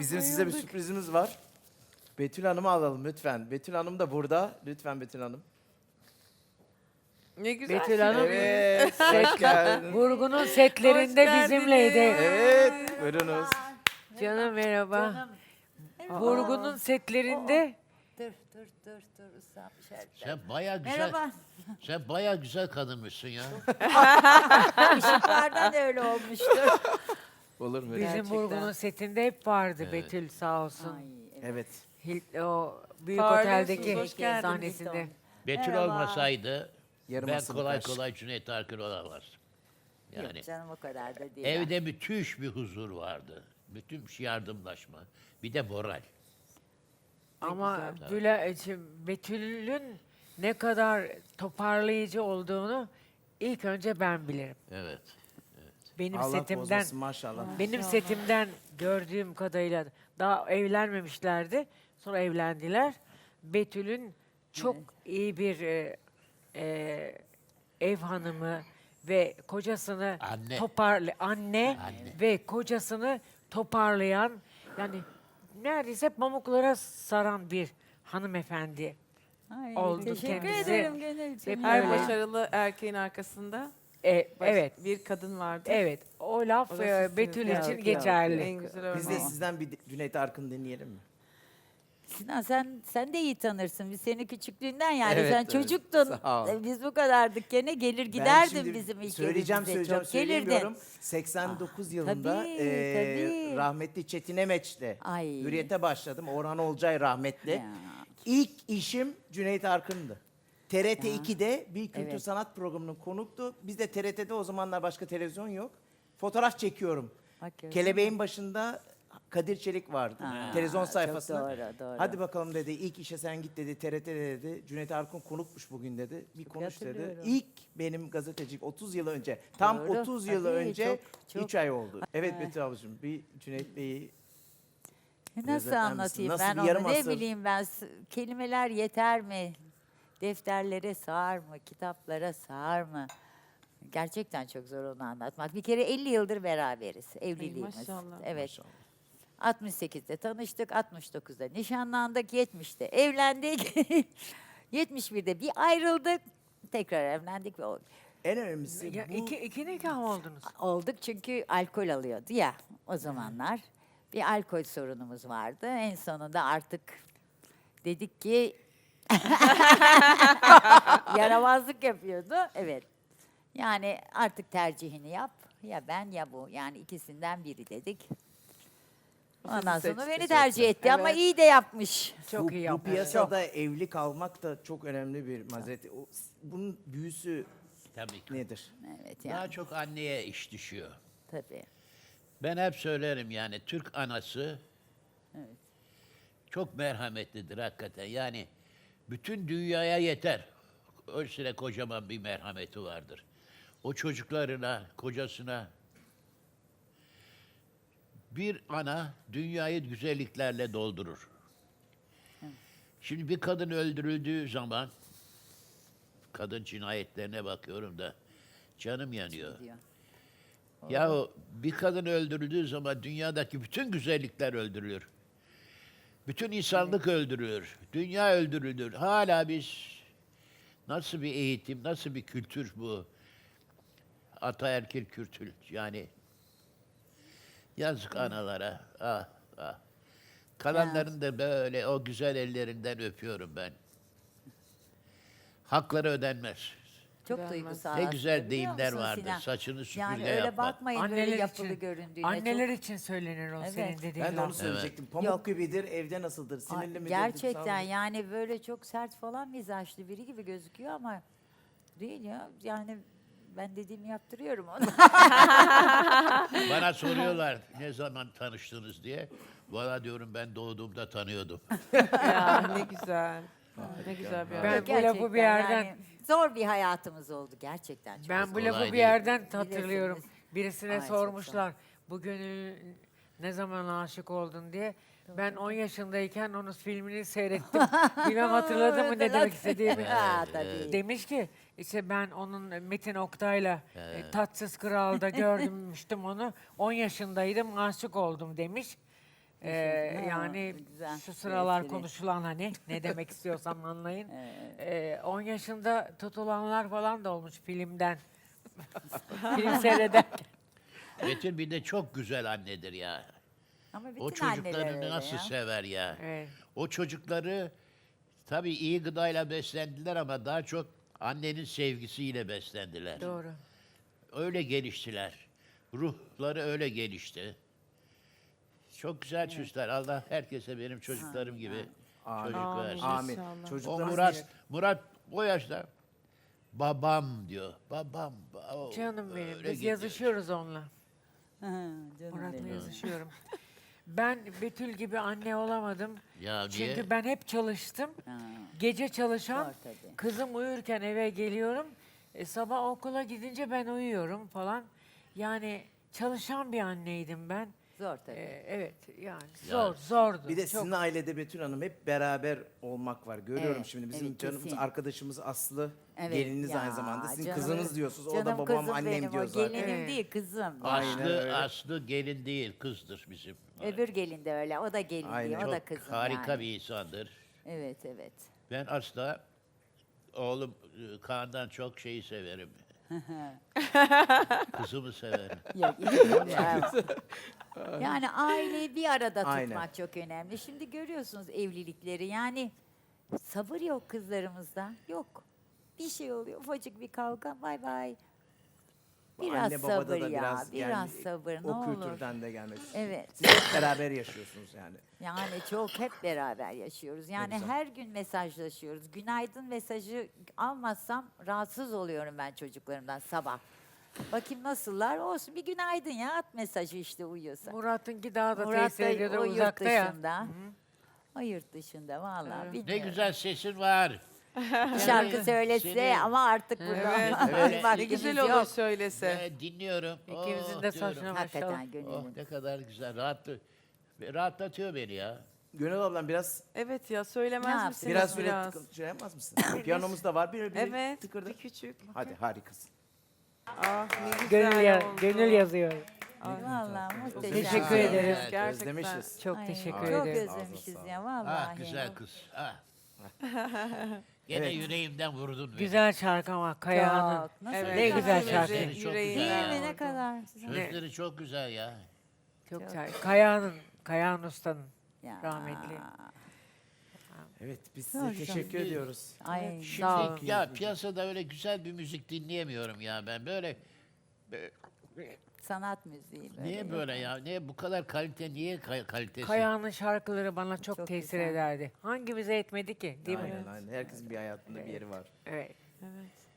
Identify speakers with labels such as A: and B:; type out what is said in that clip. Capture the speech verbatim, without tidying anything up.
A: Bizim size bir sürprizimiz var. Betül Hanım'ı alalım lütfen. Betül Hanım da burada. Lütfen Betül Hanım.
B: Ne güzel.
C: Betül Hanım
A: Evet, hoş geldin.
C: Vurgun'un setlerinde
B: Hoş
C: bizimleydi.
B: geldiniz.
A: Evet, buyurunuz.
C: Canım merhaba.
D: Canım.
C: Vurgun'un setlerinde
D: Dur dur dur dur ıslanmış her taraf.
E: Sen bayağı güzel.
D: Merhaba.
E: Sen bayağı güzel kadınmışsın ya.
D: Işıklardan da öyle olmuştu.
A: Olur mu?
C: bizim
B: Gerçekten.
C: Vurgun'un setinde hep vardı Betül sağ olsun.
D: Ay, evet.
A: Evet.
C: Hil- o büyük
B: Parlıyorsunuz,
C: oteldeki
B: hoş geldiniz.
C: sahnesinde.
E: Betül
D: Merhaba.
E: olmasaydı
A: Yarım
E: ben
A: asırlık
E: kolay
A: aşk.
E: kolay Cüneyt Arkın olamazdım. Yani
D: Yok canım o kadar da değil.
E: evde müthiş bir huzur vardı. Müthiş yardımlaşma. Bir de moral.
C: Ama Büla- şey, Betül'ün ne kadar toparlayıcı olduğunu ilk önce ben bilirim.
E: Evet.
C: Benim
A: Allah
C: setimden
A: bozmasın maşallah.
C: benim setimden gördüğüm kadarıyla daha evlenmemişlerdi. Sonra evlendiler. Betül'ün çok iyi bir e, e, ev hanımı ve kocasını
E: Anne.
C: toparlı anne,
E: Anne.
C: ve kocasını toparlayan, yani neredeyse pamuklara saran bir hanımefendi.
D: Ay,
C: oldu
D: teşekkür
C: kendisi.
D: ederim Gönülcüğüm.
C: Hep
B: Her
C: öyle.
B: başarılı erkeğin arkasında
C: E,
B: baş-
C: evet,
B: bir kadın vardır.
C: evet. O laf
B: O da
C: e,
B: sizsiniz.
C: Betül
D: Yok,
C: için
D: yok,
C: geçerli.
B: En güzel
A: Biz de
B: örneği.
A: sizden bir Cüneyt Arkın dinleyelim mi?
D: Sinan sen sen de iyi tanırsın. Biz seni küçüklüğünden yani
A: Evet,
D: sen
A: evet.
D: çocuktun.
A: Sağ ol.
D: E, Biz bu kadardık gene gelir
A: Ben
D: giderdin
A: şimdi
D: bizim ilk
A: söyleyeceğim
D: evimize.
A: söyleyeceğim
D: Çok gelirdin.
A: söyleyemiyorum. seksen dokuz yılında
D: tabii,
A: eee,
D: tabii.
A: rahmetli Çetin Emeç'le
D: Ay.
A: Hürriyet'e başladım. Orhan Olcay rahmetli.
D: Ya.
A: İlk işim Cüneyt Arkın'dı. T R T
D: Ya.
A: iki'de bir kültür
D: Evet.
A: sanat programının konuktu. Biz de T R T'de o zamanlar başka televizyon yok. Fotoğraf çekiyorum.
D: Bak gördün
A: Kelebeğin başında Kadir Çelik vardı.
D: Ha,
A: televizyon
D: çok
A: sayfasında.
D: doğru, doğru.
A: Hadi bakalım dedi. İlk işe sen git dedi. T R T'de dedi. Cüneyt Arkın konukmuş bugün dedi. Bir konuş dedi.
D: hatırlıyorum.
A: İlk benim gazetecilik otuz yıl önce. Tam
D: Doğru,
A: otuz yıl
D: tabii,
A: önce
D: çok, çok.
A: üç ay oldu. Evet Betül ablacığım bir Cüneyt Bey'i
D: Nasıl
A: özetler misin?
D: anlatayım
A: Nasıl
D: ben
A: bir
D: onu
A: yarım
D: ne
A: asır?
D: bileyim ben s- kelimeler yeter mi? Defterlere sığar mı? Kitaplara sığar mı? Gerçekten çok zor onu anlatmak. Bir kere elli yıldır beraberiz evliliğimiz.
B: maşallah.
D: Evet. altmış sekizde tanıştık, altmış dokuzda nişanlandık, yetmişte evlendik. yetmiş birde bir ayrıldık, tekrar evlendik ve ol-
A: En önemlisi
C: Ya,
A: bu.
C: iki, iki nikah mı oldunuz?
D: olduk çünkü alkol alıyordu ya o zamanlar. Bir alkol sorunumuz vardı. En sonunda artık dedik ki yaramazlık yapıyordu. Evet. Yani artık tercihini yap. Ya ben ya bu. Yani ikisinden biri dedik. Ondan
B: Sizi
D: sonra
B: seçti.
D: beni tercih etti ama
B: Evet.
D: iyi de yapmış.
C: Çok
A: bu,
C: iyi
A: bu
C: yapmış.
A: piyasada evli kalmak da çok önemli bir mazeret. O- Bunun büyüsü
E: Tabii ki.
A: nedir?
D: Evet
E: Daha
D: yani
E: çok anneye iş düşüyor.
D: tabii.
E: Ben hep söylerim yani Türk anası çok merhametlidir hakikaten. Yani bütün dünyaya yeter. Öylesine kocaman bir merhameti vardır. O çocuklarına, kocasına bir ana dünyayı güzelliklerle doldurur. Şimdi bir kadın öldürüldüğü zaman kadın cinayetlerine bakıyorum da canım yanıyor.
D: Diyor.
E: Ya bir kadın öldürüldüğü zaman dünyadaki bütün güzellikler öldürülür. Bütün insanlık öldürülür. Dünya öldürülür. Hala biz nasıl bir eğitim, nasıl bir kültür bu? Ataerkil kültür yani. Yazık analara. Ah, ah. Kalanların da böyle o güzel ellerinden öpüyorum ben. Hakları ödenmez.
D: Çok
B: Gelmez.
D: duygusal.
E: Ne
D: aslında,
E: güzel
D: biliyor
E: deyimler
D: musun
E: vardır.
D: Sinan?
E: Saçını süpürge
D: Yani öyle
E: yapmak.
D: bakmayın böyle
C: Anneler
D: yapılı
C: için,
D: göründüğüne.
C: anneler
D: Çok-
C: için söylenir o
D: Evet.
C: senin dediğin
A: Ben de onu
C: laf.
A: söyleyecektim. Pamuk
D: Yok.
A: gibidir, evde nasıldır?
D: Ay,
A: Sinirli midir?
D: gerçekten
A: duygusal mıdır?
D: yani böyle çok sert falan mizaçlı biri gibi gözüküyor ama değil ya. Yani ben dediğimi yaptırıyorum ona.
E: Bana soruyorlar ne zaman tanıştınız diye. Valla diyorum ben doğduğumda tanıyordum.
B: Ya ne güzel. Ne güzel bir
C: Ben
B: örnek.
C: bu lafı
D: Gerçekten
C: bir yerden-
D: yani zor bir hayatımız oldu gerçekten. Çok
C: Ben
D: zor.
C: bu lafı
E: Kolay
C: bir
E: değil.
C: yerden hatırlıyorum.
D: Bilirsiniz.
C: Birisine
D: Ay, çok
C: sormuşlar. Bu gönül ne zaman aşık oldun diye. Ben on yaşındayken onun filmini seyrettim. Bilmem hatırladın mı ne demek istediğimi.
D: Ha, tabii.
C: Demiş ki işte ben onun Metin Oktay'la e, Tatsız Kral'da görmüştüm onu. on yaşındaydım aşık oldum demiş. Ee,
D: Ha,
C: yani
D: güzel
C: şu
D: bir
C: sıralar
D: espri.
C: konuşulan hani ne demek istiyorsam anlayın. Ee, on yaşında tutulanlar falan da olmuş filmden. Film seyreder.
E: Betül bir de çok güzel annedir ya.
D: Ama bütün
E: O
D: anneler
E: çocuklarını
D: öyle
E: nasıl
D: ya.
E: sever ya.
C: Evet.
E: O çocukları tabii iyi gıdayla beslendiler ama daha çok annenin sevgisiyle beslendiler.
C: Doğru.
E: Öyle geliştiler. Ruhları öyle gelişti. Çok güzel çocuklar. Allah herkese benim çocuklarım gibi
A: Amin.
E: çocuk versin.
A: Amin.
B: İnşallah.
E: O
A: Çocuklarımız
E: Murat, Murat o yaşta babam diyor. Babam. o-
C: Canım benim.
E: öyle
C: Biz
E: gidiyor.
C: yazışıyoruz onunla.
D: Ha, canım
C: Murat'la
D: benim.
C: yazışıyorum. Ben Betül gibi anne olamadım.
E: Ya niye?
C: Çünkü ben hep çalıştım.
D: Ha,
C: Gece çalışan,
D: zor tabii.
C: kızım uyurken eve geliyorum. E, sabah okula gidince ben uyuyorum falan. Yani çalışan bir anneydim ben.
D: Zor tabii.
C: E, evet yani zor, zordu.
A: Bir de
C: çok.
A: sizin ailede Betül Hanım hep beraber olmak var. Görüyorum
D: Evet,
A: şimdi bizim
D: evet,
A: canımız
D: kesin.
A: arkadaşımız Aslı.
D: Evet,
A: Gelininiz
D: ya,
A: aynı zamanda. Sizin
D: canım-
A: kızınız diyorsunuz. O da
D: Canım
A: babam
D: kızım
A: annem
D: benim,
A: diyor
D: o
A: zaten.
D: gelinim
C: Evet.
D: değil kızım.
A: Aynen
E: Aslı,
A: öyle.
E: Aslı gelin değil, kızdır bizim.
D: Öbür gelin de öyle. O da gelin
A: Aynen.
D: değil. O da
E: Çok
D: kızım
E: harika
D: yani.
E: bir insandır.
D: Evet evet.
E: Ben asla oğlum e, Kaan'dan çok şeyi severim. Kızımı severim.
D: Yok, iyi, bravo. Yani aileyi bir arada tutmak
A: Aynen.
D: çok önemli. Şimdi görüyorsunuz evlilikleri. Yani sabır yok kızlarımızda. Yok. Bir şey oluyor. Ufacık bir kavga. Bay bay.
A: Bu
D: Biraz
A: anne babada
D: sabır
A: da
D: ya.
A: biraz,
D: Biraz
A: yani
D: sabır. Ne
A: o
D: olur.
A: kültürden de gelmek.
D: Evet.
A: Siz hep beraber yaşıyorsunuz yani.
D: Yani çok hep beraber yaşıyoruz. Yani
A: güzel.
D: her gün mesajlaşıyoruz. Günaydın mesajı almazsam rahatsız oluyorum ben çocuklarımdan sabah. Bakayım nasıllar? Olsun bir günaydın ya at mesajı işte uyuyorsa.
C: Murat'ınki daha da
D: Murat
C: tesir
D: da
C: ediyordu
D: o yurt
C: uzakta ya.
D: dışında. O yurt dışında vallahi
C: Evet.
E: Ne
D: bilmiyorum.
E: güzel sesin var.
D: Bir şarkı söylese
E: Seni-
D: ama artık burada
B: Evet,
A: evet.
B: Ne
D: vaktimiz
B: güzel olur
D: yok.
B: söylese.
E: Ben dinliyorum.
C: İkimizin
E: Oh
C: de
E: diyorum.
C: saçına maşallah.
D: Hakikaten
E: Oh
D: gönlüm.
E: ne kadar güzel. Rahatlı, rahatlatıyor beni ya.
A: Gönül ablam biraz
B: Evet ya
D: Ne
B: söylemez
D: yaptın?
B: misiniz
A: biraz böyle
B: biraz?
A: tıkı- şey yapmaz mısın? Piyanomuz da var. Bir, bir
B: Evet,
A: tıkırdı.
B: bir küçük.
A: Hadi harikasın.
B: Ah ne güzel
C: Gönül, ya-
B: oldu.
C: gönül yazıyor.
D: Vallahi muhteşem.
C: Teşekkür ederiz.
E: Evet,
B: Gerçekten.
A: Özlemişiz.
C: Çok
D: Ay,
C: teşekkür
D: Çok
C: ederim.
D: özlemişiz
A: Ağzına
D: ya
E: Ah
D: vallahi.
E: güzel kız. Ah. Gene
A: Evet.
E: yüreğimden vurdun beni.
C: Güzel şarkı ama Kayahan'ın.
D: Çok. Nasıl
B: Evet,
C: Ne
D: çok
C: güzel
D: güzel.
C: şarkı.
E: Sözleri çok
B: Yüreğinden
E: güzel
D: Değil
E: ya.
D: mi ne
B: oldu.
D: kadar?
E: Sözleri çok güzel ya.
C: Çok
D: Çok.
C: güzel. Kayahan'ın, Kayahan Usta'nın.
D: Ya.
C: Rahmetli.
A: Evet biz
D: Sağ ol
A: size
D: canım.
A: teşekkür ediyoruz.
D: Ay
E: Şimdi
D: sağ olun.
E: ya piyasada öyle güzel bir müzik dinleyemiyorum ya ben. Böyle be-
D: Sanat müziği böyle.
E: niye
D: yok.
E: böyle ya? Niye bu kadar kalite? Niye ka- kalitesi?
C: Kayahan'ın şarkıları bana çok,
D: Çok
C: tesir
D: güzel.
C: ederdi. Hangimize etmedi ki? Değil mi?
A: Aynen aynen. Herkesin bir hayatında bir yeri var.
C: Evet.
B: Evet.